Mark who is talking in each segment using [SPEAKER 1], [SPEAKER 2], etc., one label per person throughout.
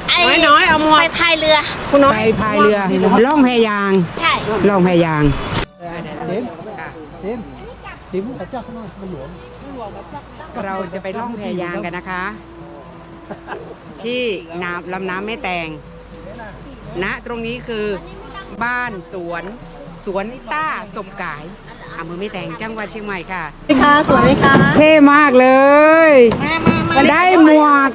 [SPEAKER 1] น้อยเอาหมวกไปพายเรือ
[SPEAKER 2] ไปพายเรือล่องแพยาง
[SPEAKER 1] ใช่
[SPEAKER 2] ล่องแพยางเราจะไปล่องแพยางกันนะคะ ที่ลำน้ำแม่แตงณตรงนี้คือบ้านสวนต้าสมกายอำเภอแม่แตงจังหวัดเชียงใหม่ค่ะ
[SPEAKER 3] ค่ะสวยไหมคะ
[SPEAKER 2] เท่มากเลยได้หมวก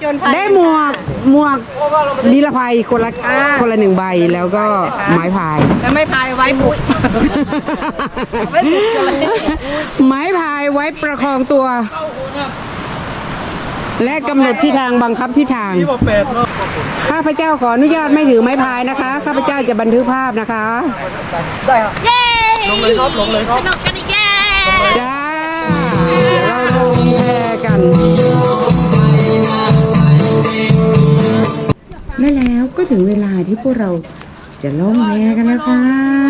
[SPEAKER 2] นิรภัยคนละ1 ใบแล้วก็ไม้พาย
[SPEAKER 3] แล้วไม่พายไว้บุก
[SPEAKER 2] ไม้พายไว้ประคองตัวและกำหนดทิศทางบังคับทิศทางข้าพเจ้าขออนุญาตไม่ถือไม้พายนะคะข้าพเจ้าจะบันทึกภาพนะคะ
[SPEAKER 3] ได้ครับ
[SPEAKER 1] เย้
[SPEAKER 3] ลงเลยครับส
[SPEAKER 1] นุกกันอีกแล้ว
[SPEAKER 2] จ้าเราลงแพกันและแล้วก็ถึงเวลาที่พวกเราจะล่องแพกันแล้วค่ะ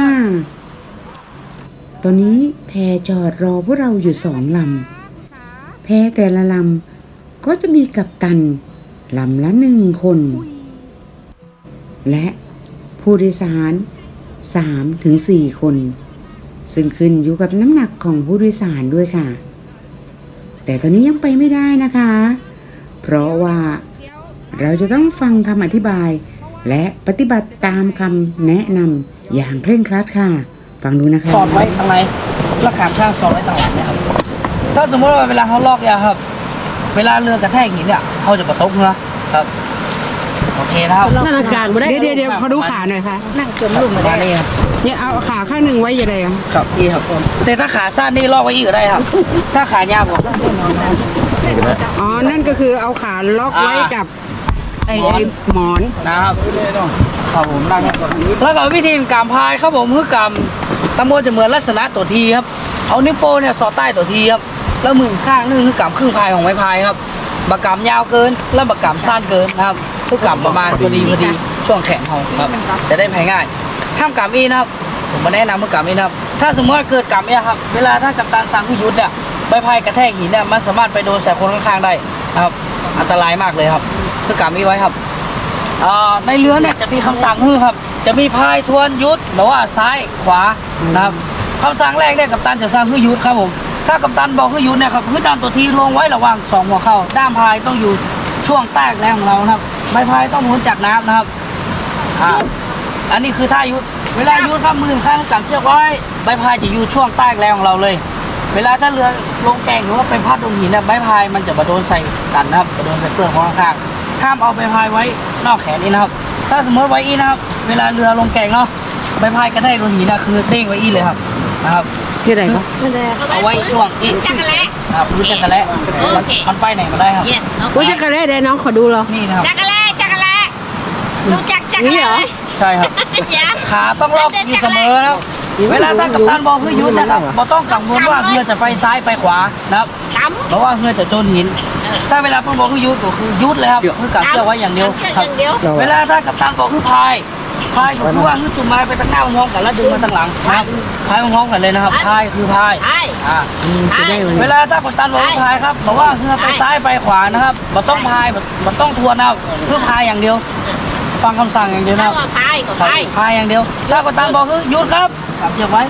[SPEAKER 2] ตอนนี้แพจอดรอพวกเราอยู่2 ลำแพแต่ละลำก็จะมีกัปตันลำละ1 คนและผู้โดยสาร3 ถึง 4 คนซึ่งขึ้นอยู่กับน้ำหนักของผู้โดยสารด้วยค่ะแต่ตอนนี้ยังไปไม่ได้นะคะเพราะว่าเราจะต้องฟังคำอธิบายและปฏิบัติตามคำแนะนำอย่างเคร่งครัดค่ะฟังดูนะคะ
[SPEAKER 3] สอดไว้ทางไหนแล้วขามช่างสอดไว้ทางหลังนะครับถ้าสมมติว่าเวลาเขาลอกยาครับเวลาเรือกระแทกหินเนี่ยเขาจะกระตุกนะครับโอเคนะครับ
[SPEAKER 2] นั่งกลางเดี๋ยวเขาดูขาหน่อยค่ะ
[SPEAKER 3] นั่งจนลุ่มมาได้ครับ
[SPEAKER 2] เนี่ยเอาขาข้างหนึ่งไว้ยังไง
[SPEAKER 3] ครับนี่ครับแต่ถ้าขาสั้นนี่ลอกไว้อีกก็ได้ครับถ้าขายาวกว่า
[SPEAKER 2] อ๋อนั่นก็คือเอาขาล็อกไว้กับไอ้หมอน
[SPEAKER 3] นะครับครับผมนั่งแล้วก็วิธีการพายครับผมคือกำตะโมจะเหมือนลักษณะตัวทีครับเอานิ้วโป้เนี่ยสอดใต้ตัวทีครับแล้วมือข้างนึงคือกำครึ่งพายของไม้พายครับบักกำยาวเกินแล้วบักกำสั้นเกินนะครับคือกำประมาณพอดีช่วงแขนของครับจะได้พายง่ายห้ามกำอีนะครับผมมาแนะนำเมื่อกำอีนะครับถ้าสมมติว่าเกิดกำอีครับเวลาถ้ากัปตันสั่งให้หยุดเนี่ยใบพายกระแทกหินเนี่ยมันสามารถไปโดนใส่คนข้างๆได้นะครับอันตรายมากเลยครับคือกำอีไว้ครับในเรือเนี่ยจะมีคำสั่งครับจะมีพายทวนยุดหรือว่าซ้ายขวานะครับคำสั่งแรกเนี่ยกัปตันจะสั่งให้หยุดครับผมถ้ากัปตันบอกให้หยุดเนี่ยครับคือด้านตัวทีลงไว้ระหว่าง2 หัวเข่าด้ามพายต้องอยู่ช่วงใต้แรงของเราครับใบพายต้องหมุนจากน้ำนะครับอันนี้คือท่ายุดเวลายุดครับมือข้างกำเชือกไว้ใบพายจะอยู่ช่วงใต้แรงของเราเลยเวลาถ้าเรือลงแก่งหรือว่าไปพัดลงหินเนี่ยใบพายมันจะมาโดนใส่กันนะครับมาโดนใส่เปลือกของข้างห้ามเอาใบพายไว้นอกแขนนี่นะครับถ้าสมมติไว้อีนะครับเวลาเรือลงแก่งเนาะใบพายกระแทกโดนหินนะคือเด้งไว้อีเลยครับนะครับ
[SPEAKER 2] ที่ไหนครับ
[SPEAKER 3] เอาไว้ช่วงอี
[SPEAKER 1] จักรแล้
[SPEAKER 3] พื้นจักรแล้มันไปไหนมาได้ครับ
[SPEAKER 2] พื้นจักรแล้ได้น้องขอดูเรา
[SPEAKER 3] นี่นะครับ
[SPEAKER 1] จักรแล้รู้จักจักรแล้
[SPEAKER 3] ใช่ครับขาต้องล็อกอยู่เสมอนะครับเวลาถ้ากัปตันบอกเพื่อยุดนะครับเราต้องกังวลว่าเรือจะไปซ้ายไปขวานะครับเพราะว่าเรือจะโดนหินถ้าเวลาเพื่อนบอกคือยุดก็คือยุดเลยครับคือกัดเชือกไว้อย่างเดียวครับเวลาถ้ากัปตันบอกคือพายก็คือว่าคือจุ่มไม้ไปตั้งหน้ามันห้องกันแล้วดึงมาตั้งหลังนะครับพายมันห้องกันเลยนะครับพายคือพายเวลาถ้ากัปตันบอกคือพายครับบอกว่าเรือไปซ้ายไปขวานะครับมันต้องพายมันต้องทวนเอาคือพายอย่างเดียวฟังคำสั่งอย่างเดียวนะครับพายอย่างเดียวถ้ากัปตันบอกคือหยุดครับกัดเชือกไว้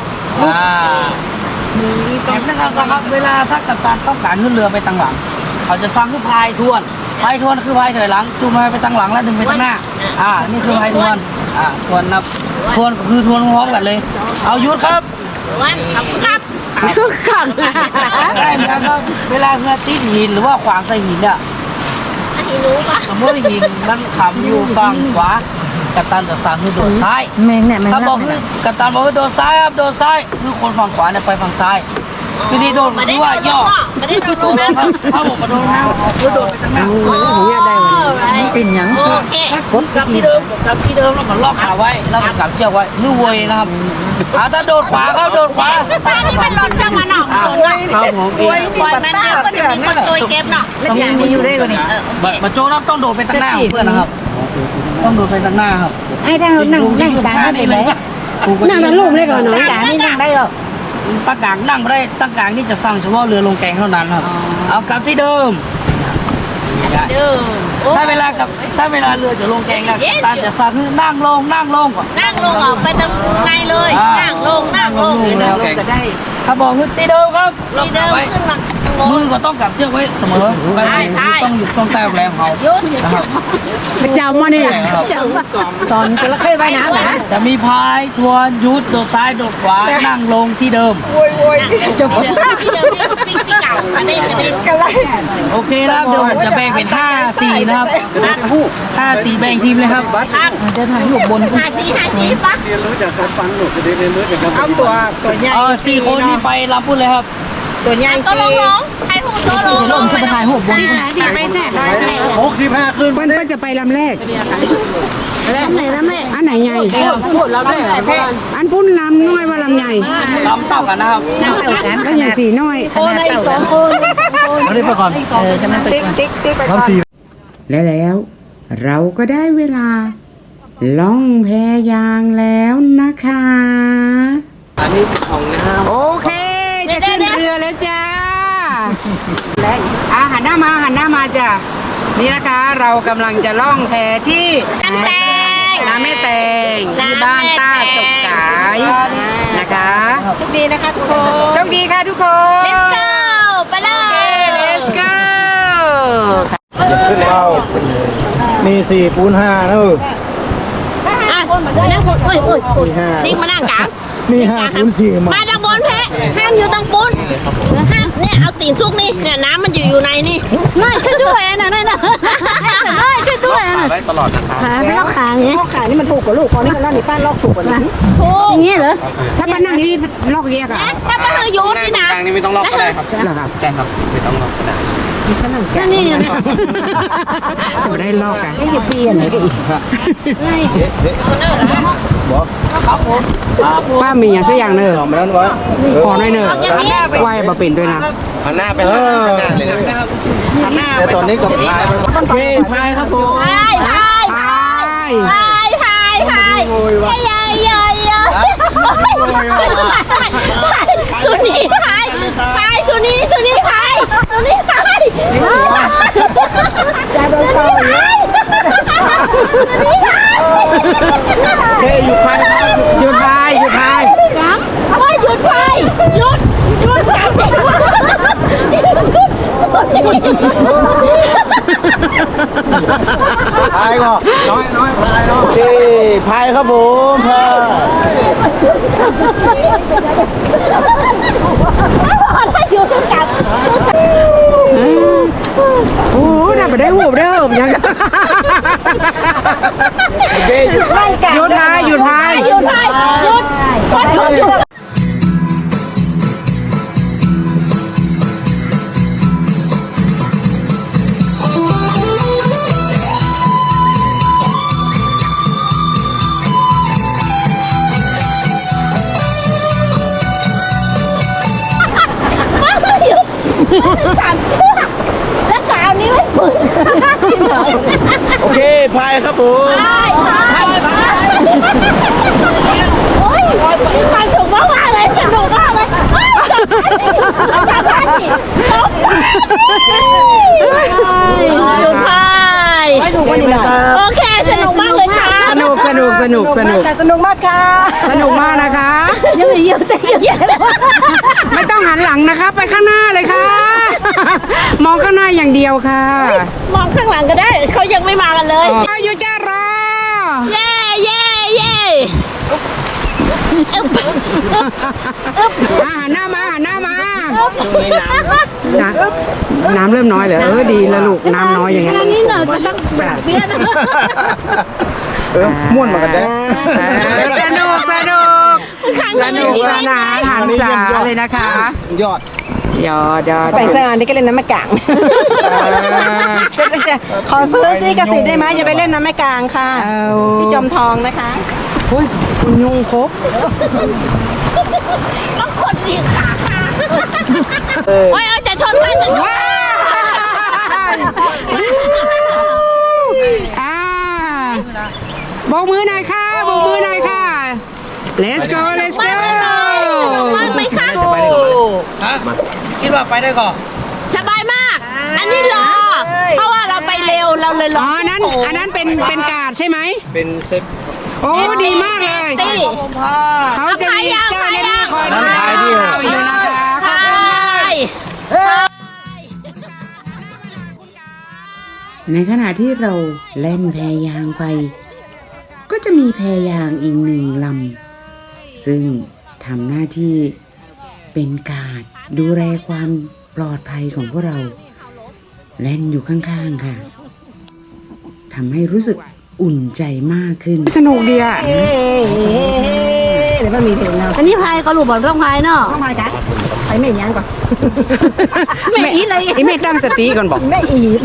[SPEAKER 3] อย่างนั้นครับเวลาถ้ากัปตันต้องการขึ้นเรือไปตั้งหลังเขาจะสั่งคือพายทวนคือพายถอยหลังจูงไปตั้งหลังแล้วดึงไปตั้งหน้านี่คือพายทวนทวนนับทวนก็คือทวนพร้อมกันเลยเอาหยุดครับ
[SPEAKER 1] ครับ
[SPEAKER 3] ได้เหมือนกันครับเวลาเรือติดหินหรือว่าขวางใส่หินเนี่ยสมมติหินมันขำอยู่ฝั่งขวากัปตันจะสั่งคือโดดซ้ายถ้าบอกคือกัปตันบอกคือโดดซ้ายครับโดดซ้ายคือคนฝั่งขวาเนี่ยไปฝั่งซ้ายวิธีโดดคือว่าย่อ
[SPEAKER 1] ไม่ได้โดด
[SPEAKER 3] ครับถ้าผมมาโดนแล้วคือโดดไปทางหน้า
[SPEAKER 2] เป็นยัง
[SPEAKER 3] กับที่เดิมแล้วก็ล็อกขาไว้แล้วก็กับเชือกไว้มือวยนะครับถ้าโดดขวาครับโดดขวา
[SPEAKER 1] ซ้ายนี่มันหล่นจังมันหนอก
[SPEAKER 3] ครับผม
[SPEAKER 1] ปล่อยมันเดี๋ยวก็จะมีคนตัวเก็บเนาะ
[SPEAKER 3] สมมติมีอยู่ได้กว่านี้มาโจนับต้องโดดไปทางหน้าเพื่อนนะครับต้องโดดไปทางหน้าครับ
[SPEAKER 2] ไอ้ถ้าเรานั่งกลางได้ไหมนั่งนั่งลูกได้ก่อนหน่อยกลางนี่นั่งได้หรอ
[SPEAKER 3] ตั้งกลางนั่งไม่ได้ตั้งกลางนี่จะสร้างเฉพาะเรือลงแกงเท่านั้นครับเอากลับที่เดิม
[SPEAKER 1] เด้อ
[SPEAKER 3] ถ้าเวลาเรือจะลงแกงนะตาจะสั่งนั่งลงก่อน
[SPEAKER 1] นั่งลงออกไปตรงในเลยนั่งลง
[SPEAKER 3] แล้วก็ได้ถ้าบอกว่าตีเดิมครับ
[SPEAKER 1] ทีเดิมขึ้นมา
[SPEAKER 3] มือก็ต้องกลับเชือกไว้เสมอต้องอยู่ต้องใต้แรงเขา
[SPEAKER 1] ยุด
[SPEAKER 3] นะครับ
[SPEAKER 2] เจ้ามาเนี่ยสอนจระเข้ว่ายน้ำนะ
[SPEAKER 3] จะมีพายทวนยุดโดดซ้ายโดดขวานั่งลงที่เดิม
[SPEAKER 1] ที่เดิมปิ้งเก่าอันนี้กันไร
[SPEAKER 3] โอเคครับเดี๋ยวผมจะแบ่งเป็น5-4นะครับ5-4แบ่งทีมเลยครับ
[SPEAKER 2] เดินทางอยู่บน
[SPEAKER 1] หาสีปะ
[SPEAKER 4] เรียนรู้จากการฟังหนูจะได้เรียนรู้จากการ
[SPEAKER 2] เอาตัวใหญ่
[SPEAKER 3] 4 คนนี่ไปรับพูดเลยครับ
[SPEAKER 2] ตัวใหญ่
[SPEAKER 1] ก็ลงให้หูโตลง
[SPEAKER 2] จะไปถ่ายหัวบน
[SPEAKER 1] ที่ไปแน่
[SPEAKER 4] 65ขึ้น
[SPEAKER 2] เพิ่นก็จะไปลำแรก
[SPEAKER 1] น้ำไหน
[SPEAKER 2] อันไหนใหญ่
[SPEAKER 3] พูดรับได้
[SPEAKER 2] อันพุ่นลำน้อยว่าลำใหญ่
[SPEAKER 3] ลำเต่ากันนะครับ
[SPEAKER 2] ก็อย่างสีน้อย
[SPEAKER 4] อันนี้ไปก่อนติ๊กทำสี
[SPEAKER 2] และแล้วเราก็ได้เวลาล่องแพยางแล้วนะคะ
[SPEAKER 3] อันนี้ของนะครับ
[SPEAKER 2] โอเคจะขึ้นเรือแล้วจ้าหันหน้ามาจ้ะนี่นะคะเรากำลังจะล่องแพที่
[SPEAKER 1] น้ำแตง
[SPEAKER 2] น้ำแม่แตงที่บ้านต้าสุกขายนะคะ
[SPEAKER 1] โชคดีนะคะทุกคน
[SPEAKER 2] โชคดีค่ะทุกคน
[SPEAKER 1] Let's go ไปเลย
[SPEAKER 2] Let's go
[SPEAKER 4] ขึ้นเรามี4ปูน5นะ
[SPEAKER 1] อ่ะมานั่งโอ้ยนิ่งมานั่งกลาง
[SPEAKER 4] มี5ปูน4
[SPEAKER 1] มาดังบนแพะห้ามอยู่ตรงปุ้นห้ามเนี่ยเอาตีนซุกนี่เนี่ยน้ำมันอยู่ในนี่ไม่ช่วยด้วยนะช่วยด้วยนะ
[SPEAKER 4] ไว้ตลอดนะครับ
[SPEAKER 1] ขาไม่ลอกขาอย่างเงี้ย
[SPEAKER 2] ขานี่มันถูกกว่าลูกพอนี่มันนั่นนี่ป้าลอกถูกกว่านี้
[SPEAKER 1] ถูกอย่างเงี้ยเหรอ
[SPEAKER 2] ถ้าป้านั่งนี่ลอกแยกอ่ะ
[SPEAKER 1] ถ้ามันคือยุดนี่นะ
[SPEAKER 4] กลางนี้ไม่ต้องล็อกก็ได้ครับ
[SPEAKER 2] เหรอครับ
[SPEAKER 4] ใช่ครับไม่ต้องล็อกก็ได้
[SPEAKER 1] นั่นนี่เนี่ย
[SPEAKER 2] จะไม่ได้ลอกกันไม่จะเปลี่ยนเลยป้ามีอย่างสักอย่างเนอะ
[SPEAKER 4] ไม่ต้องไว้
[SPEAKER 2] ขอหน่อยเนอะไหวบะเป็นด้วยนะ
[SPEAKER 4] หันหน้าไปข้างหน้าเลยนะแต่ตอนนี้กับพายพายครับผม
[SPEAKER 1] พายสุนีพายสุนีพายจะโดนต่อย
[SPEAKER 2] หยุดพายหยุดพาย
[SPEAKER 1] หยุดพายหยุด
[SPEAKER 4] พายก็น้อยพายเนาะโอเคพายครับผมพาย
[SPEAKER 1] อยู่ทุกอย่าง
[SPEAKER 2] โอ้น่าไปได้หูบได้เหรอยัง
[SPEAKER 4] โอเคหยุด
[SPEAKER 2] หยุดพายหยุดพาย
[SPEAKER 1] หยุดสามเชือกแล้วกาวนี้ไม่ฝืน
[SPEAKER 4] โอเคพายครับผม
[SPEAKER 1] โอ้ยความสุขมากเลยสนุกมากเลยอยู่พายโอเคสนุกมากเลยค่ะ
[SPEAKER 2] สนุกมากค่ะสนุกมากนะคะไม่ต้องหันหลังนะคะไปข้างหน้าเลยค่ะ มองข้างหน้าอย่างเดียวค่ะ
[SPEAKER 1] มองข้างหลังก็ได้เขายังไม่มากันเลย
[SPEAKER 2] อยู่จ้ารอ
[SPEAKER 1] เย่
[SPEAKER 2] หันหน้ามาน้ำเริ่มน้อยเหรอดีแล้วลูกน้ำน้อยอย่างเงี้ย
[SPEAKER 1] นี่หน่อยก็ต้องแบบเบี้ยนะ
[SPEAKER 4] ม่วนมากันได้
[SPEAKER 2] สนุกสนานหันษาเลยนะคะ
[SPEAKER 4] ยอด
[SPEAKER 5] ไปสถานที่ก็เล่นน้ำแม่กลางขอซื้อซีกระสีได้ไหมจะไปเล่นน้ำแม่กลางค่ะที่จอมทองนะคะ
[SPEAKER 2] ยุงครบ
[SPEAKER 1] ต้องคนดีขาโอ้ยจะชนกันจะชน
[SPEAKER 2] โบกมือหน่อยค่ะ let's go
[SPEAKER 1] มากไหมคะ
[SPEAKER 3] คิดว่าไปได้ก่อน
[SPEAKER 1] สบายมาก อันนี้รอเพราะว่าเราเราเลยล
[SPEAKER 2] อ๋
[SPEAKER 1] อ
[SPEAKER 2] อง อันนั้นเป็นกาดใช่ไหม
[SPEAKER 4] เป็นเซฟ
[SPEAKER 2] โอ้ดีมากเลย
[SPEAKER 1] ตี้
[SPEAKER 2] เขาจะมีเจ้าหน้าที่คอยดูแล
[SPEAKER 4] พายดิ
[SPEAKER 2] เราอยู่นะคะขอบคุณมาก ในขณะที่เราเล่นแพยางไป ก็จะมีแพยางอีกหนึ่งลำซึ่งทำหน้าที่เป็นการดดูแลความปลอดภัยของพวกเราเล่นอยู่ข้างๆค่ะทำให้รู้สึกอุ่นใจมากขึ้นสนุกดีอ่ะ
[SPEAKER 5] เดี๋ยวมันมีเพลงแล้ว
[SPEAKER 1] อันนี้พายก็รู้บอกต้องพายเนาะ
[SPEAKER 5] ต้องมาจ้ะไปไม่ยังก่อน
[SPEAKER 1] ไม่อีเลย
[SPEAKER 2] อีเมตั้งสติก่อนบอก
[SPEAKER 5] ไม่อีด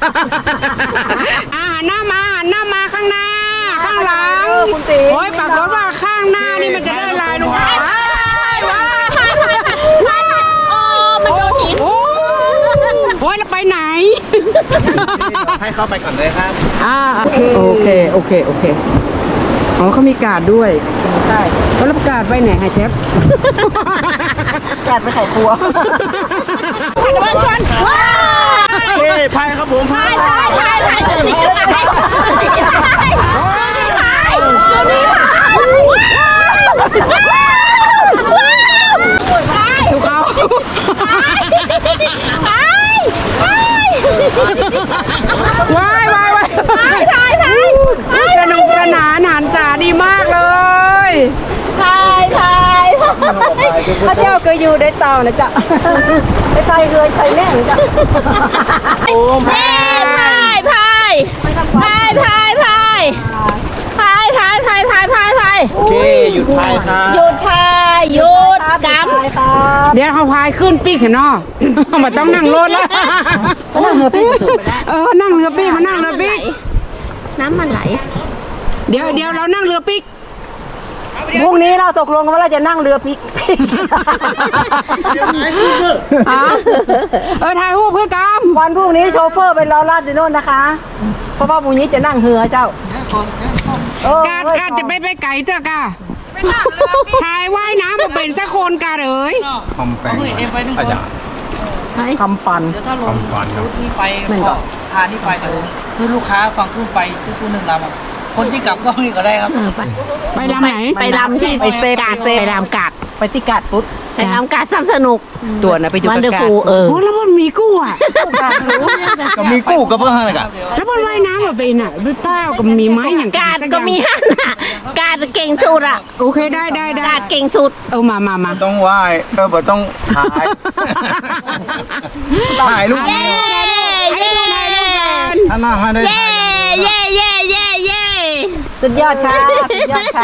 [SPEAKER 2] หันหน้ามาข้างหน้า ข้างหลัง
[SPEAKER 5] คุณตี
[SPEAKER 2] โอ้ยปรากฏว่าข้างหน้านี่มันจะได้ลายลูกค้า
[SPEAKER 1] มันโดนหิน
[SPEAKER 2] โอ้ยแล้วไปไหน
[SPEAKER 4] ให้เข้าไปก่อนเลยครับ
[SPEAKER 2] โอเคอ๋อเขามีการ์ดด้วยใช่แล้วการ์ดไปไหนฮะเชฟ
[SPEAKER 5] จัดไปไข่ครัว
[SPEAKER 1] มันชนว้า
[SPEAKER 4] เฮ้ยพายครับผมพาย
[SPEAKER 1] พายสุดที่จะพาย
[SPEAKER 2] ถูกเอาว้ายสนุกสนานหันษาดีมากเลย
[SPEAKER 1] พาย
[SPEAKER 5] พระเจ้าเคยอยู่ในเตานะจ๊ะไปไทยเลยไทยแน่นะจ๊ะ
[SPEAKER 2] โอ้แพ
[SPEAKER 1] พาย
[SPEAKER 4] โอเคหยุดพายครับ
[SPEAKER 1] หยุดพายหยุดก
[SPEAKER 5] ครับ
[SPEAKER 2] เดี๋ยวเขาพายขึ้นปีกเห็นเนาะมาต้องนั่งรถแล้ว
[SPEAKER 5] นั่งเรือพี่สุดไปแล้ว
[SPEAKER 2] นั่งเรือปีกมานั่งเรือปีก
[SPEAKER 1] น้ำมันไหล
[SPEAKER 2] เดี๋ยวเรานั่งเรือปีก
[SPEAKER 5] พรุ่งนี้เราตกลงกันว่าเราจะนั่งเรือพิก
[SPEAKER 2] ถ่ายรูปเพื่อกรรม
[SPEAKER 5] วันพรุ่งนี้โชเฟอร์ไปรอลาดที่โน่นนะคะ เพราะว่าพรุ่งนี้จะนั่งเรือเจ้า
[SPEAKER 2] การจะไปไก่เถอะกะถ่ายว่ายน้ำมาเป็นสักคนกะเอ๋ย
[SPEAKER 4] คอมแปง
[SPEAKER 3] เอ็มไปนึง
[SPEAKER 4] อาจารย์
[SPEAKER 5] คำปัน
[SPEAKER 3] เดี๋ยวถ้าลง
[SPEAKER 4] คำฟันครับ
[SPEAKER 3] รูทที่ไปก็พาที่ไปแต่คือลูกค้าฟังขึ้นไปทุกๆหนึ่งลำอะคนที่กลับก็นี่ก็ได้ครับ
[SPEAKER 2] ไปลำไหน
[SPEAKER 1] ไปลำที่
[SPEAKER 5] ไปเซฟ
[SPEAKER 1] กาด
[SPEAKER 5] ไปเซฟ
[SPEAKER 1] ไปลำกาด
[SPEAKER 5] ไปที่กาดปุ๊บ
[SPEAKER 1] ไปลำกาดซ้ำสนุก
[SPEAKER 5] ตัวนะไปอยู่
[SPEAKER 1] วัน
[SPEAKER 5] กับ
[SPEAKER 1] เดอร์
[SPEAKER 5] กาด
[SPEAKER 1] ฟูล
[SPEAKER 2] โอ้แล้วมันมีกู้อ่ะ
[SPEAKER 4] ก็มีกู้กับเพื่อนกัน
[SPEAKER 2] แล้วมันว่ายน้ำมาเป็นอ่ะด้วยเป้าก็มีไม้อย่าง
[SPEAKER 1] กาดก็มีหั่นน่ะกาดเก่งสุดอ่ะ
[SPEAKER 2] โอเคได้
[SPEAKER 1] กาดเก่งสุด
[SPEAKER 2] มา
[SPEAKER 4] ต้องไหว้บ่ต้องถ่ายถ่ายรูป
[SPEAKER 1] เย้เย้
[SPEAKER 4] ถ้านั่งให้ได้
[SPEAKER 1] เย้เย้เย้เย้เย้
[SPEAKER 5] สุดยอดค่ะสุดยอดค่ะ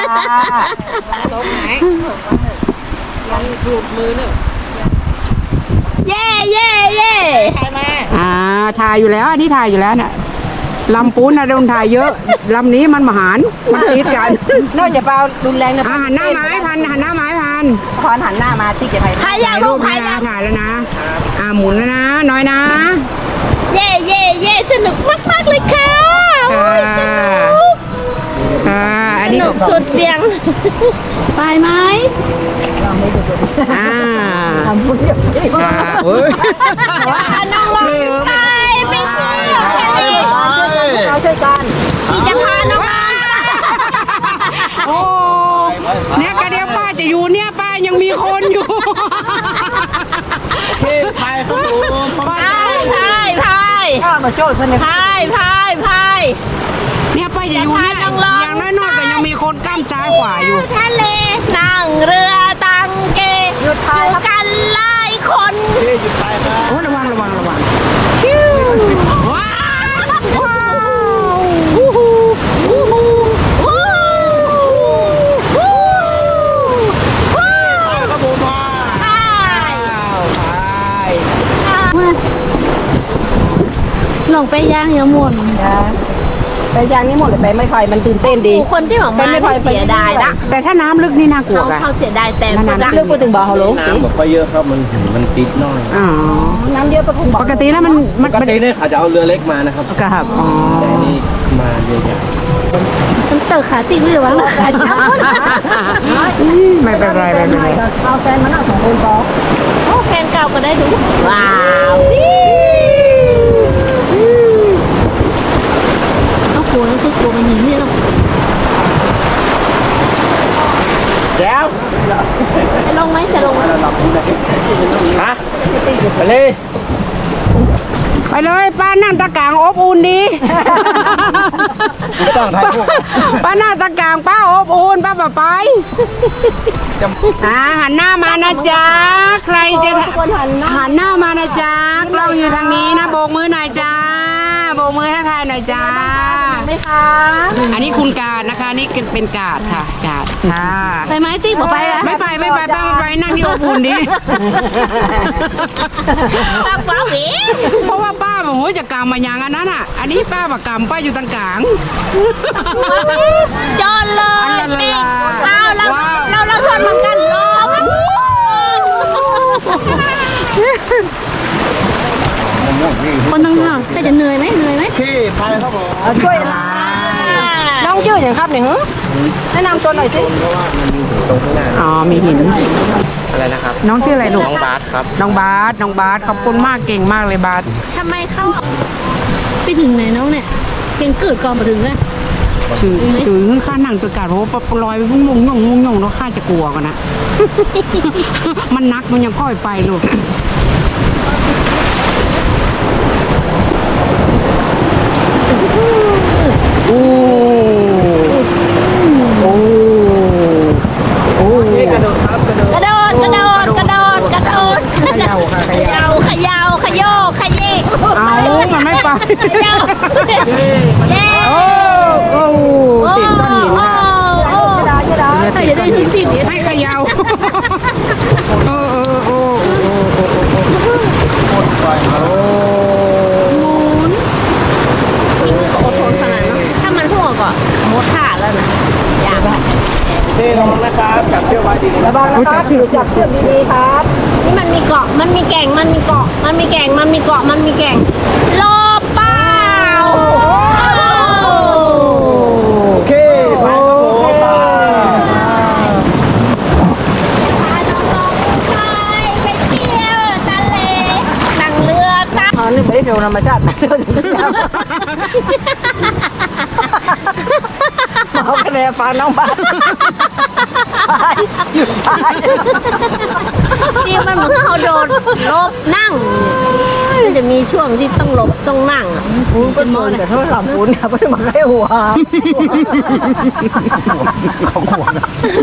[SPEAKER 1] เย้เย้เย้
[SPEAKER 2] ถ่ายอยู่แล้วอันนี้ถ่ายอยู่แล้วน่ะลำปูนนะโดนถ่ายเยอะลำนี้มันมหารมันติดกัน
[SPEAKER 5] นอกจากเปล่ารุนแรงนะ
[SPEAKER 2] หันหน้าไม้พัน
[SPEAKER 5] พรหันหน้ามาที่เก็บไผ่
[SPEAKER 1] พายยังลูกพายยัง
[SPEAKER 2] ถ่ายแล้วนะหมุนแล้วนะน้อยนะ
[SPEAKER 1] เย้เย้เย้สนุกมากๆเลยค่ะโอ้ยสนุก
[SPEAKER 2] อัน
[SPEAKER 1] ส
[SPEAKER 2] นี้
[SPEAKER 1] นุกสุดเสียงไปไหม
[SPEAKER 2] เฮ้ย
[SPEAKER 1] น้องลองไปไปเที่ยวทะเล
[SPEAKER 5] เราช่วยกัน
[SPEAKER 1] ที่จะพาน้อง
[SPEAKER 2] โอ้เนี่ยกระเดียวป้าจะอยู่เนี่ยป้ายังมีคนอยู่
[SPEAKER 4] โอเคพายครับผม
[SPEAKER 1] พายพายพาย
[SPEAKER 5] ข้ามาโจ้เพื่อน
[SPEAKER 1] พายพายพาย
[SPEAKER 2] เนี่ยป้าจะอยู่เนี่ยอย่างน้อยๆก็ยังมีคนก้ามซ้ายขวาอยู่
[SPEAKER 1] ทะเลนั่งเรือตังเก
[SPEAKER 5] หยุดพายครับ
[SPEAKER 1] กันหลายคน
[SPEAKER 4] โอเคหยุดพายครับ
[SPEAKER 2] โอ้ระวังว้าวว้าว
[SPEAKER 1] วู้ฮูวู้ฮูวู้ฮูวู้
[SPEAKER 4] ครับผมพาย
[SPEAKER 1] พาย
[SPEAKER 4] พาย
[SPEAKER 1] ลงไปย่างยังหมด
[SPEAKER 5] แต่ยางนี้หมดเลยไปไม่ไฟมันตื่นเต้นดี
[SPEAKER 1] คนที่ออกมาเสียดายนะ
[SPEAKER 2] แต่ถ้าน้ำลึกนี่น่ากลัวกัน
[SPEAKER 1] เขาเสียดายแต่
[SPEAKER 5] เรื่องพูดถึงบ่อฮัลโหล
[SPEAKER 4] น้ำแบบไปเยอะครับมันติดน้อย
[SPEAKER 2] อ๋อ
[SPEAKER 5] น้ำเยอะประคงบ่อ
[SPEAKER 2] ปกติแล้วมัน
[SPEAKER 4] ปกติเนี่ยเขาจะเอาเรือเล็กมานะครับ
[SPEAKER 2] กับอ๋อ
[SPEAKER 4] แต่นี่มาเรือใหญ่
[SPEAKER 1] มันเติร์ขาติดหรือวะ
[SPEAKER 2] ไม่เป็นไร
[SPEAKER 5] เอาแฟนมานั่ง2 คนพอ
[SPEAKER 1] โอ้แฟนเก่าก็ได้ดูว้าว
[SPEAKER 4] แล้ว
[SPEAKER 1] จะลงไหมจะลงไหม
[SPEAKER 4] ฮะไปเลย
[SPEAKER 2] ไปเลยป้านั่งตะกางอบอุ่นดี
[SPEAKER 4] ไม่ต้องถ่ายรูป
[SPEAKER 2] ป้านั่งตะกางป้าอบอุ่นป้าป่าไปหันหน้ามานะจ๊ะใครจะหันหน้ามานะจ๊ะกล้องอยู่ทางนี้นะโบกมือหน่อยจ้าโบกมือทักทายหน่อยจ้า
[SPEAKER 1] ไหมคะ
[SPEAKER 2] อันนี้คุณการนะคะนี่เป็นกาดค่ะกาดค่ะ
[SPEAKER 1] ไปไหมติ๊กบอกไปแล้ว
[SPEAKER 2] ไม่ไปป้ามาไปนั่งที่อบอุ่นดิ
[SPEAKER 1] ป้าฟ้าหวี
[SPEAKER 2] เพราะว่าป้าบอกโอ้ยจะกางมาอย่างอันนั้นอ่ะ อันนี้ป้าบอกกางป้าอยู่ตรงกลาง
[SPEAKER 1] จนเลยติ๊กเอาเราชนเหมือนกันลบคนทั้งห้องแต่จะเหนื่อยไหม
[SPEAKER 4] พี่พายครับผม
[SPEAKER 5] ช่วยน้องชื่ออย่างครับเนี่ยแนะนำตัวหน่อยสิ
[SPEAKER 2] อ๋อมีหิน
[SPEAKER 4] อะไรนะครับ
[SPEAKER 2] น้องชื่ออะไรลูก
[SPEAKER 4] น้องบาสครับ
[SPEAKER 2] น้องบาสขอบคุณมากเก่งมากเลยบาส
[SPEAKER 1] ทำไมเข้าไปถึงไหนน้องเนี่ยเก่งเกิดก่อนมาถึงอะ
[SPEAKER 2] ถึงข้านั่งตัวกาดโหลอยไปพุ่งงงแล้วข้าจะกลัวกันนะ มันนักมันยังก้อยไปลูกโอ้โอ้โอ้
[SPEAKER 3] กระโดดครับกระโดด
[SPEAKER 1] กระโดดเขย่าขยกขยี้
[SPEAKER 2] เอามันไม่ไป
[SPEAKER 1] ขย่าเย้
[SPEAKER 2] โอ้โอ้ติดก้อนหินค่ะ
[SPEAKER 1] ถ้าจะได้ชิ้นติด
[SPEAKER 2] ให้เขยาวโอ้โอ้โอ้
[SPEAKER 1] อดทนขนาดนั้นถ้ามันพุ่งออกก็หมดท่าแล้วนะอยาก
[SPEAKER 4] พี่น้องนะครับจับเชือกไว้ดีๆ
[SPEAKER 5] ระวังนะครับถือจับเชือกดีๆครับ
[SPEAKER 1] นี่มันมีเกาะมันมีแก่งมันมีเกาะมันมีแก่งโลเป้า
[SPEAKER 4] โอเคไปครับผมไป
[SPEAKER 1] พาน้องๆไปเที่ยวทะเลนั่งเรือตั้ง
[SPEAKER 5] อ๋อนี่ไม่ได้เที่ยวธรรมชาตินะเชื่อถือเอาคะแนนฟังน้องบ้านหยุดไป
[SPEAKER 1] นี่มันเหมือนเขาโดนลบนั่งมันจะมีช่วงที่ต้องหลบต้องนั่ง
[SPEAKER 5] เป็นมอนแต่ถ้าหลับปูนเนี่ยไม่ได้มาให้หัว
[SPEAKER 4] เขาขวด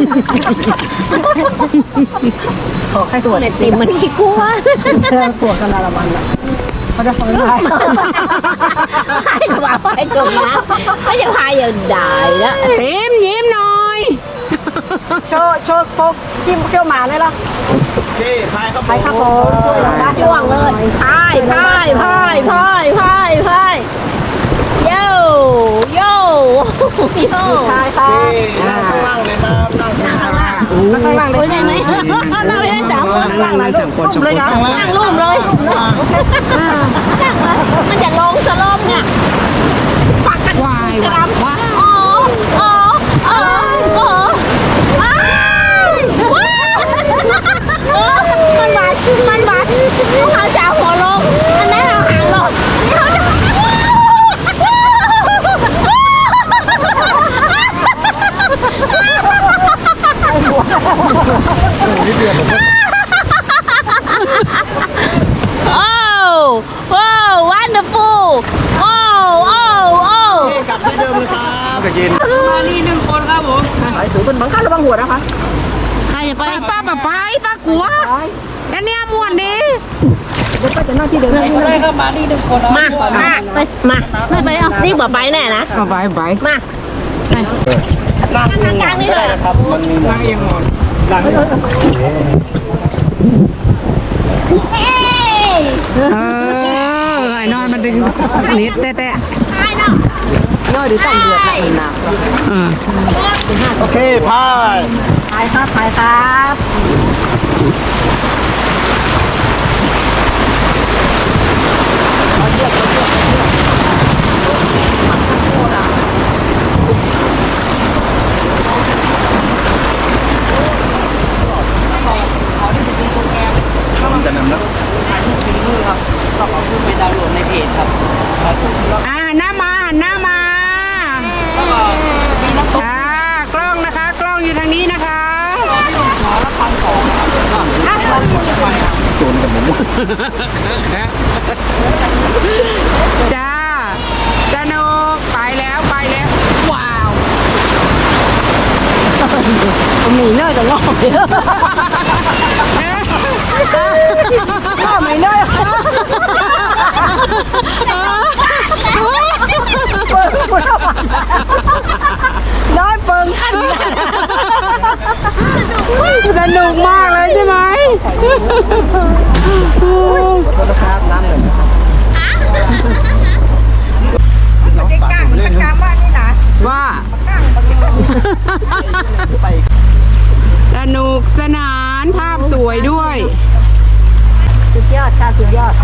[SPEAKER 5] ขอให้หัว
[SPEAKER 1] เน็ตติมมันขี้กลัว
[SPEAKER 5] หัวกันละมันอ่ะเขาจะฟังได้
[SPEAKER 1] ให้จะมาให้จมน้ำเขาจะพายอย่างได้แล้ว
[SPEAKER 2] ยิ้มหน่อย
[SPEAKER 5] โชว์พกจิ้มเที่ยวหมาเลยล่ะ
[SPEAKER 4] โอเคพายครับ
[SPEAKER 5] ไปครับผมช่วยเราได้
[SPEAKER 1] ช่วงเลยพายโย่โย่
[SPEAKER 5] ทายครับ
[SPEAKER 4] นั่งข้างล่างเลยครับนั่งข้างล่าง
[SPEAKER 5] ข้างล่างเล
[SPEAKER 1] คุ
[SPEAKER 5] ย
[SPEAKER 1] ยได้ไหมนั่งได้สามคน
[SPEAKER 2] นั่งสามคน
[SPEAKER 5] เลยครับ
[SPEAKER 1] นั่งรูปเลยมันจะลงสลบเนี่ยปักกัน
[SPEAKER 2] วาย
[SPEAKER 1] กรัม
[SPEAKER 2] ว้า
[SPEAKER 1] อ๋อว้าวมันบาดเขาจะเอาหัวลงอันนั้นเอาหางลงอันนี้เขาโอ้ wonderful โอ้
[SPEAKER 4] กลับที่เดิมเลยครับจะกิน
[SPEAKER 3] มานี่1 คนครับผม
[SPEAKER 5] ถือเป็นบังคับระวังหัวนะคะ
[SPEAKER 1] ใครจะไป
[SPEAKER 2] ป้าป้ากลัวกันเนี่ยม่วนดี
[SPEAKER 5] เดี๋ยวป้าจะนั่งที่เดิม
[SPEAKER 3] ไปเลยครับมานี่1 คน
[SPEAKER 1] มาไม่ไปเอารีบบอกไปแน่นะ
[SPEAKER 2] เอาไป
[SPEAKER 1] มา
[SPEAKER 4] นั่ง
[SPEAKER 1] กลางนี่เลย
[SPEAKER 4] ครับมันมีหมอน
[SPEAKER 3] เองหมด
[SPEAKER 1] เฮ้ย
[SPEAKER 2] ไอ้นอนมันดึงนิดแต่
[SPEAKER 1] ตายเนาะ
[SPEAKER 5] ย่อยหรือต้องเดือดหนักหนัก
[SPEAKER 4] โอเคพาย
[SPEAKER 5] ทายครับ
[SPEAKER 4] จะนำแล้ว
[SPEAKER 3] ถ่ายรูปถึงมือครับต้องเอาขึ้นไปดาวน์โหลดในเพจครับครับผมแล้ว
[SPEAKER 2] หันหน้ามา
[SPEAKER 3] ก็มีน้ำตก
[SPEAKER 2] กล้องนะคะ กล้องอยู่ทางนี้นะคะ
[SPEAKER 4] จูนกับหมู
[SPEAKER 2] จ้าสนุกไปแล้วว้าว
[SPEAKER 5] มีเนยจะงอกเยอะงอกไม่เนยน้อยเปิงขั้น
[SPEAKER 2] สนุกมากเลยใช่ไหม
[SPEAKER 5] จะกางมันกางว่านี่นะ
[SPEAKER 2] ว่า สนุกสนานภาพสวยด้วย
[SPEAKER 5] สุดยอดค่ะสุดยอด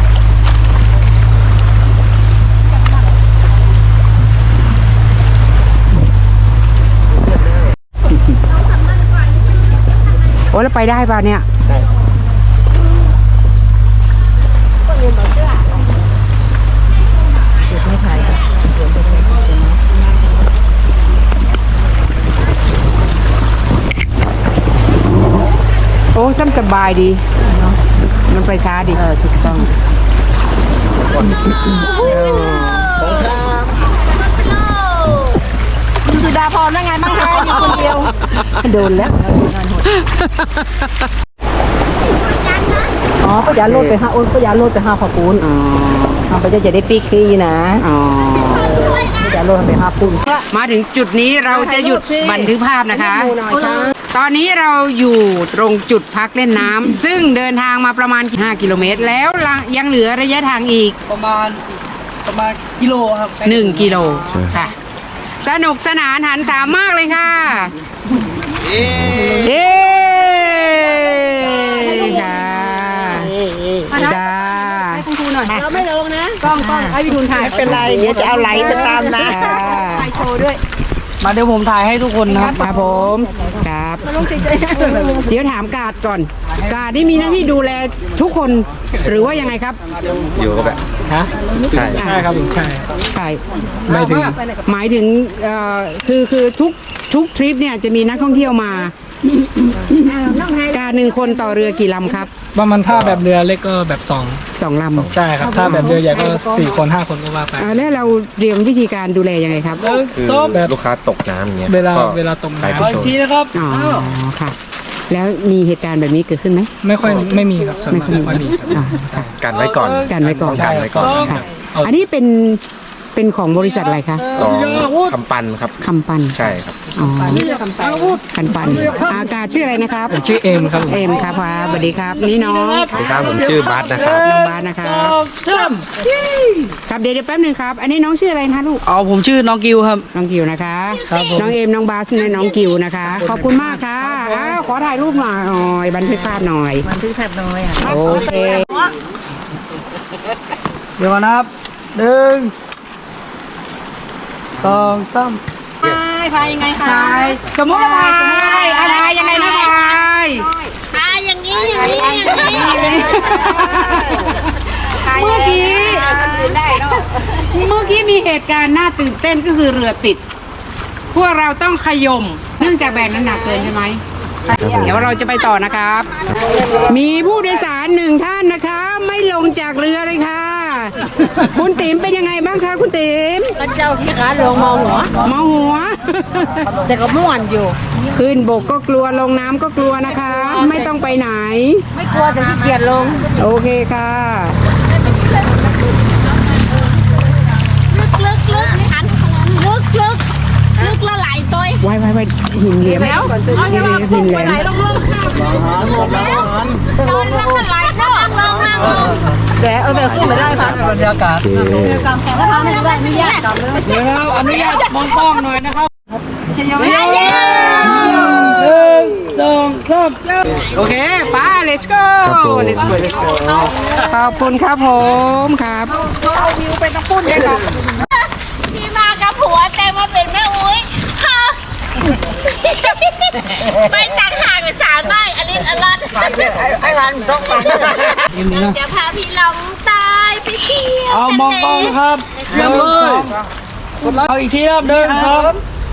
[SPEAKER 2] โอ้แล้วไปได้ป่ะเนี่ยโอ้ซ้ำสบายดี มันไปช้าดีถูกต้อง
[SPEAKER 5] สุดาพรได้ไงบ้างคะอยู่คนเดียวโดนแล้วอ๋อพยาโลดไปหาพยาโลดไปหาขอปูนทำไปจะได้ปีกขี้นะ
[SPEAKER 2] อ๋อ
[SPEAKER 5] พยาโลดไปหาปูน
[SPEAKER 2] มาถึงจุดนี้เราจะหยุดบันทึกภาพนะคะ ตอนนี้เราอยู่ตรงจุดพักเล่นน้ำซึ่งเดินทางมาประมาณ 5 กิโลเมตรแล้วยังเหลือระยะทางอีก
[SPEAKER 3] ประมาณกิโลครับ
[SPEAKER 2] 1 กิโลค่ะ สนุกสนานหันสามมากเลยค่ะ เย้ค่ะจ้า
[SPEAKER 5] เราไม่ลงนะกล้องให้พี่ทุนถ่ายเป็นไรเดี๋ยวจะเอาไหลไปตามนะถ่ายโชว์ด้วย
[SPEAKER 3] มาเดี๋ยวผมถ่ายให้ทุกคนนะครับ
[SPEAKER 2] ครับผมครับเดี๋ยวถามกาดก่อน กาดนี่มีหน้าที่ดูแลทุกคนหรือว่ายังไงครับ
[SPEAKER 4] อยู่ก็แบบฮะใช่ครับใช่
[SPEAKER 2] ใช่หมายถึงคือทุกทริปเนี่ยจะมีนักท่องเที่ยวมาการ1 คนต่อเรือกี่ลำครับ
[SPEAKER 6] ว่ามันถ้าแบบเรือเล็กก็แบบ2
[SPEAKER 2] 2 ลำ
[SPEAKER 6] ใช่ครับ ถ้าแบบเรือใหญ่ก็4 คน 5 คนก็ว่าไป
[SPEAKER 2] แล้วเราเตรียมวิธีการดูแลยังไงครับ
[SPEAKER 3] ส้ม
[SPEAKER 4] ลูกค้าตกน้ำอย่างเงี้ย
[SPEAKER 6] เวลาตกน้
[SPEAKER 3] ขออีกทีนะครับ
[SPEAKER 2] อ๋อค่ะ แล้วมีเหตุการณ์แบบนี้เกิดขึ้นไหม
[SPEAKER 6] ำไม่มีครับส่วนมากไม่ค่อยมีครับ
[SPEAKER 2] อ่าค่ะ
[SPEAKER 4] กันไว้ก่อน
[SPEAKER 2] กันไว้ก่อน
[SPEAKER 4] กันไว้ก่อน
[SPEAKER 2] ค่ะอันนี้เป็นของบริษัทอะไรคะ
[SPEAKER 4] ลองคำปันครับ
[SPEAKER 2] คำปัน
[SPEAKER 4] ใช่ครับ
[SPEAKER 2] อ๋อคันปันอากาศชื่ออะไรนะครับ
[SPEAKER 6] ผมชื่อเอมครับผม
[SPEAKER 2] เอมครับครับสวัสดีครับ นี่น้อง
[SPEAKER 4] สวัสดีครับผมชื่อบัสนะครับ
[SPEAKER 2] น้องบาสนะครับครับเดี๋ยวแป๊บหนึงครับ อันนี้น้องชื่ออะไรคะลูก
[SPEAKER 3] อ๋อผมชื่อน้องกิวครับ
[SPEAKER 2] น้องกิวนะคะ
[SPEAKER 3] ครับผม
[SPEAKER 2] น้องเอมน้องบาสและน้องกิวนะคะ ขอบคุณมากค่ะอ้าวขอถ่ายรูปหน่อยบันทึกภาพหน่อย
[SPEAKER 5] มันทึกแทบน้อยอ่ะ
[SPEAKER 2] โอเค
[SPEAKER 3] เดี๋ยวก่อนนะครับ1 2 3
[SPEAKER 5] พายยังไงคะ
[SPEAKER 2] ถ่ายสมมติว่าถ่ายอะไรยังไงนะถ่าย
[SPEAKER 1] อย่างนี้อย่างนี้อย่างนี้
[SPEAKER 2] เมื่อกี้มีเหตุการณ์น่าตื่นเต้นก็คือเรือติด พวกเราต้องขย่มเนื่องจากแบกน้ำหนักเกินใช่ไหม เดี๋ยวเราจะไปต่อนะครับ มีผู้โดยสาร1 ท่านนะคะ ไม่ลงจากเรือเลยค่ะ คุณติ๋มเป็นยังไงบ้างคะคุณติ๋ม
[SPEAKER 5] พระเจ้าที่ขาลงมองหัว
[SPEAKER 2] เมาหัว
[SPEAKER 5] แต่ก็ม่วนอยู่
[SPEAKER 2] ขึ้นบกก็กลัวลงน้ำก็กลัวนะคะ ไม่ต้องไปไหน
[SPEAKER 5] ไม่กลัวแต่ขี้เกียจลง
[SPEAKER 2] โอเคค่ะ
[SPEAKER 1] ลึกหันลึกละหลายตัว
[SPEAKER 2] ไว้หินเหลี่ยมหินแหลม
[SPEAKER 1] ลงไหลเนาะลง
[SPEAKER 5] แต่แบบขึ้นไม่ได้ค่ะ
[SPEAKER 3] บรรยากาศ
[SPEAKER 5] กำแขนแล้วทำไม่ได้ไม่ยากกำเลย
[SPEAKER 3] เดี๋ยวอนุญาตมองกล้องหน่อยนะครับ 1 2 3
[SPEAKER 2] โอเคไป้า let's go let's go ขอบคุณครับผมครับ
[SPEAKER 1] พี่มากับผัวแต่มาเป็นแม่อุ้ยค่ะไปต่างหากไป3 น้อยอลินอลันไอ้วันต้องไปจะพาพี่ลองตายไปเที่ยว
[SPEAKER 3] เอามองกล้องนะครับเอาอีกทีครับ1 2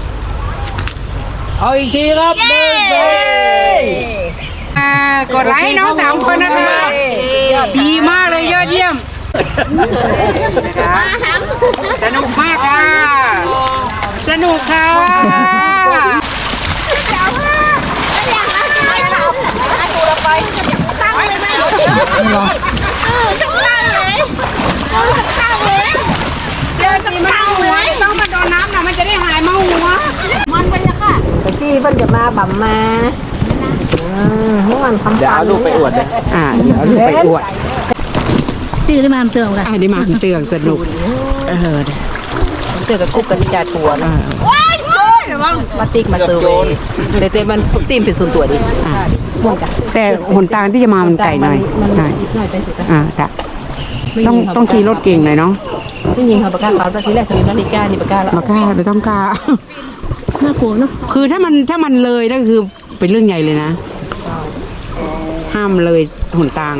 [SPEAKER 3] เอาอีกทีครับ1 2
[SPEAKER 2] กดไลค์ให้น้อง3 คนนะคะดีมากเลยยอดเยี่ยม
[SPEAKER 1] มาหาม
[SPEAKER 2] สนุกมากค่ะ สนุกค่ะ
[SPEAKER 1] ไม่ทำดูเราไปตั้งเลยไหมตั้งเลยตั้งเลยเดี๋ยวจะตั้งเลย
[SPEAKER 5] ต้องมาโดนน้ำนะมันจะได้หายเมาหัว
[SPEAKER 1] มันไปเลยค่ะ
[SPEAKER 5] ตะกี้เพิ่นจะมาบั่มมาเมื่อวันคำ
[SPEAKER 4] เดี๋ยวเอาลูกไปอวดเลย
[SPEAKER 2] เดี๋ยวลูกไปอวด
[SPEAKER 1] ชื่อที่มาเติมกัน
[SPEAKER 2] ได้มาเตืองสนุก
[SPEAKER 5] เจอกับกุ๊กกับนิจาทัวร์นะมาติ๊กมาเซอร์เวย์แต่มันตีมเป็นส่วนตัวดิม่วนกัน
[SPEAKER 2] แต่หนทางที่จะมามันไกลหน่อยหน่อย
[SPEAKER 5] หน่อยไปสิ
[SPEAKER 2] จ้ะต้องขี่รถเก่งหน่อยเนาะ
[SPEAKER 5] ไม่ยิงเขาประกาศเขาตอนที่แรกสลิมนาฬิกานี่ประกาศแล้ว
[SPEAKER 2] มากล้าไปต้องกล้า
[SPEAKER 1] น่ากลัวเนาะ
[SPEAKER 2] คือถ้ามันเลยนั่นคือเป็นเรื่องใหญ่เลยนะ ห้ามเลยหนทาง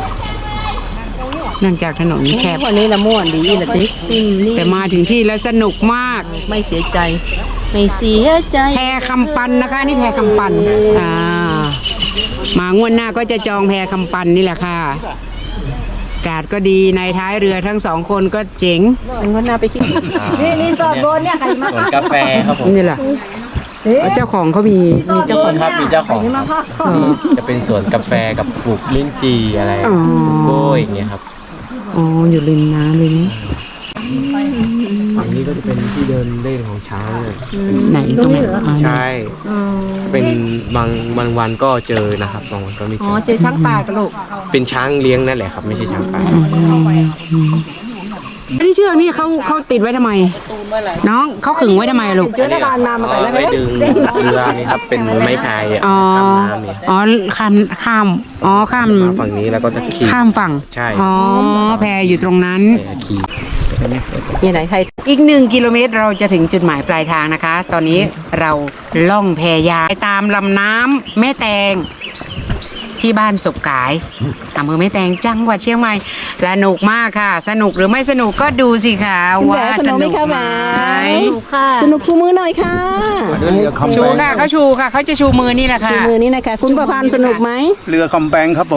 [SPEAKER 2] เนื่องจากถนนแคบ
[SPEAKER 5] วันนี้ละม่วนดีละติ๊กนี่
[SPEAKER 2] แต่มาถึงที่แล้วสนุกมาก
[SPEAKER 5] ไม่เสียใจ ไม่เสียใจ
[SPEAKER 2] แพคำปันนะคะนี่แพคำปันมางวดหน้าก็จะจองแพคำปันนี่แหละค่ะอากาศก็ดีในท้ายเรือทั้งสองคนก็เจ๋ง
[SPEAKER 5] มันก็น่าไปคิดนี่รีสอร์ทโบนเนี่ยใครมา
[SPEAKER 4] ส่วนกาแฟครับผม
[SPEAKER 2] นี่แหละเจ้าของเขามีเจ้าของ
[SPEAKER 4] ครับมีเจ้าของครับจะเป็นสวนกาแฟกับปลูกลิ้นจี่อะไรปลูกกล้วยอย่างเงี้ยครับ
[SPEAKER 2] อ๋ออยู่ริมน้ำเลยนี่
[SPEAKER 4] ฝั่งนี้ก็จะเป็นที่เดินเล่นของช้างเนี่ย
[SPEAKER 2] ไหนตรงไหนอ๋อ
[SPEAKER 4] ใช่ เป็นบางวันก็เจอนะครับบางวันก็ไม่เจ
[SPEAKER 5] อ๋อ
[SPEAKER 4] อ
[SPEAKER 5] เจอช้างป่ากันลูก
[SPEAKER 4] เป็นช้างเลี้ยงนั่นแหละครับไม่ใช่ช้างป่า
[SPEAKER 2] อันนี้เชือกนี่เขาติดไว้ทำไม น้องเขาขึงไว้ทำไมลูก
[SPEAKER 5] เจอหน้าบ้านมามาแต่ละ
[SPEAKER 4] ไม่ดึงเรือนี่ครับเป็นไม้พายอ่ะ
[SPEAKER 2] อ๋อ
[SPEAKER 4] ข้ามน้ำเนี่ย
[SPEAKER 2] อ๋อข้ามอ๋อข้าม
[SPEAKER 4] มาฝั่งนี้แล้วก็จะขี่
[SPEAKER 2] ข้ามฝั่ง
[SPEAKER 4] ใช่
[SPEAKER 2] อ๋อแพอยู่ตรงนั้น
[SPEAKER 4] ขี่
[SPEAKER 5] นี่ไหนใคร
[SPEAKER 2] อีก1 กิโลเมตรเราจะถึงจุดหมายปลายทางนะคะ ตอนนี้เราล่องแพยาวไปตามลำน้ำแม่แตงที่บ้านศพกายอำเภอแม่แตงจังหวัดเชียงใหม่สนุกมากค่ะ สนุกหรือไม่สนุกก็ดูสิคะว่าสนุกไหม
[SPEAKER 1] ค่ะ
[SPEAKER 5] สนุกชูมือหน่อยค่ะ
[SPEAKER 2] ชูค่ะเขาชูค่ะเขาจะชูมือนี่แหละค่ะ
[SPEAKER 5] ชูมือนี้นะคะ คุณประพันธ์สนุกไหม
[SPEAKER 4] เรือคำแปงครับผม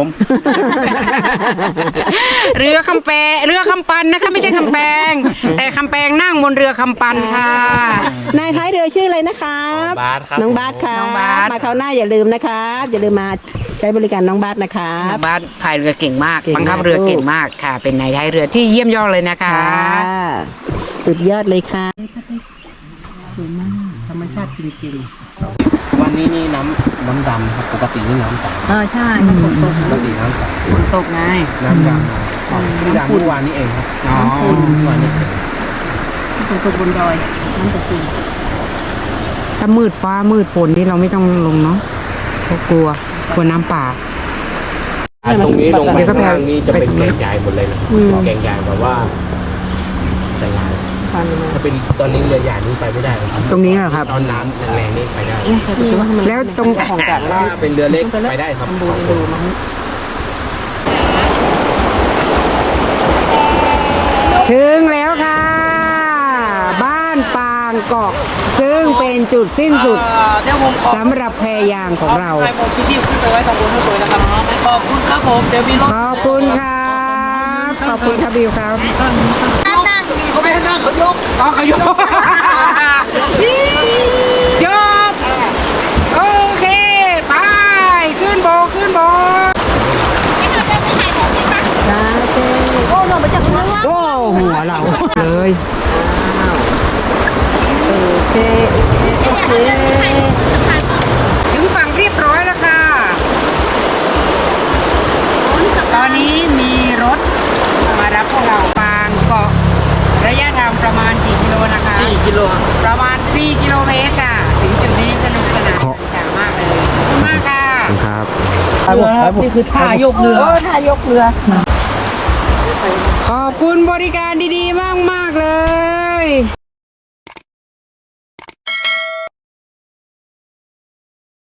[SPEAKER 2] เรือคำปันนะคะไม่ใช่คำแปงแต่คำแปงนั่งบนเรือคำปันค่ะ
[SPEAKER 5] นายท้ายเรือชื่ออะไรนะครับ
[SPEAKER 4] บาสครับ
[SPEAKER 5] น้องบาสค่ะ
[SPEAKER 2] น้องบาส
[SPEAKER 5] มาคราวหน้าอย่าลืมนะครับอย่าลืมมาใช้บริการน้องบาสนะครับ
[SPEAKER 2] บ้านพายเรือเก่งมาก
[SPEAKER 5] เก่งมาก
[SPEAKER 2] บังคับเรือเก่งมากค่ะ เป็นนายท้ายเรือที่เยี่ยมยอดเลยนะคะ
[SPEAKER 5] สุดยอดเลยค่ะ
[SPEAKER 2] ธรรมชาติจริง
[SPEAKER 4] วันนี้นี่น้ำดำครับปกตินี่น้ำใส
[SPEAKER 5] ใช่มันฝนตก
[SPEAKER 4] ปกติน้ำใส
[SPEAKER 2] ๆฝนตกไง
[SPEAKER 4] น้ำดำที่ดำเมื่อวานนี้เองครับ
[SPEAKER 2] อ๋อ
[SPEAKER 4] เมื่อวานนี้
[SPEAKER 5] ฝนตกบนดอยน้ำตกจริง
[SPEAKER 2] ถ้ามืดฟ้ามืดฝนนี่เราไม่ต้องลงเนาะเพราะกลัวน้ำป่า
[SPEAKER 4] ตรงนี้ลงไป
[SPEAKER 2] เดี๋ยวก็
[SPEAKER 4] ข้าง
[SPEAKER 2] ไป
[SPEAKER 4] ล่างนี่จะเป็นแกงใหญ่หมดเลยนะแกงใหญ่แบบว่าแต่ใหญ่
[SPEAKER 5] ฟันมา
[SPEAKER 4] ถ้าเป็นตอนนี้เรือใหญ่นี่ไปไม่ได้ครับ
[SPEAKER 2] ตรงนี้เหรอครับ
[SPEAKER 4] ตอนน้ำแรงๆนี่ไปได้
[SPEAKER 2] แล้วตรง
[SPEAKER 5] ของกลาง
[SPEAKER 4] ถ้าเป็นเรือเล็กไปได้ครับ
[SPEAKER 5] ดูมัน
[SPEAKER 2] ถึงแล้วค่ะ บ้านปางเกาะซึ่งเป็นจุดสิ้นสุด
[SPEAKER 3] เดี๋ยวผมขอ
[SPEAKER 2] สำหรับแพยางของเรา
[SPEAKER 3] ให้ผมชี้ขึ้นไปไว้ตรงบนให้สวยนะครับขอบคุณครับผมเดี๋ยวมีรถ
[SPEAKER 2] ขอบคุณครับขอบคุณครับบิวครับนั่งมีเขาไม่ให้นั่งเขายกอ๋อเขายก ยกโอเคไปขึ้นโบกขึ้นโบก
[SPEAKER 1] โอ้ลงไปจากข้างล่าง
[SPEAKER 2] โอ้หัวเราเลย
[SPEAKER 5] โอเค
[SPEAKER 2] ถึงฝั่งเรียบร้อยแล้วค่ะ ตอนนี้มีรถมารับพวกเราปางเกาะระยะทางประมาณกี่กิโลนะคะ
[SPEAKER 3] 4 กิโล
[SPEAKER 2] ประมาณ 4 กิโลเมตรค่ะ ถึงจุดนี้สนุกสนานสามากเลยขอบคุณมากค่ะ
[SPEAKER 4] ครับ
[SPEAKER 3] นี่คือท่ายกเรือ
[SPEAKER 5] ท่ายกเรือ
[SPEAKER 2] ขอบคุณบริการดีๆ มาก ๆ เลย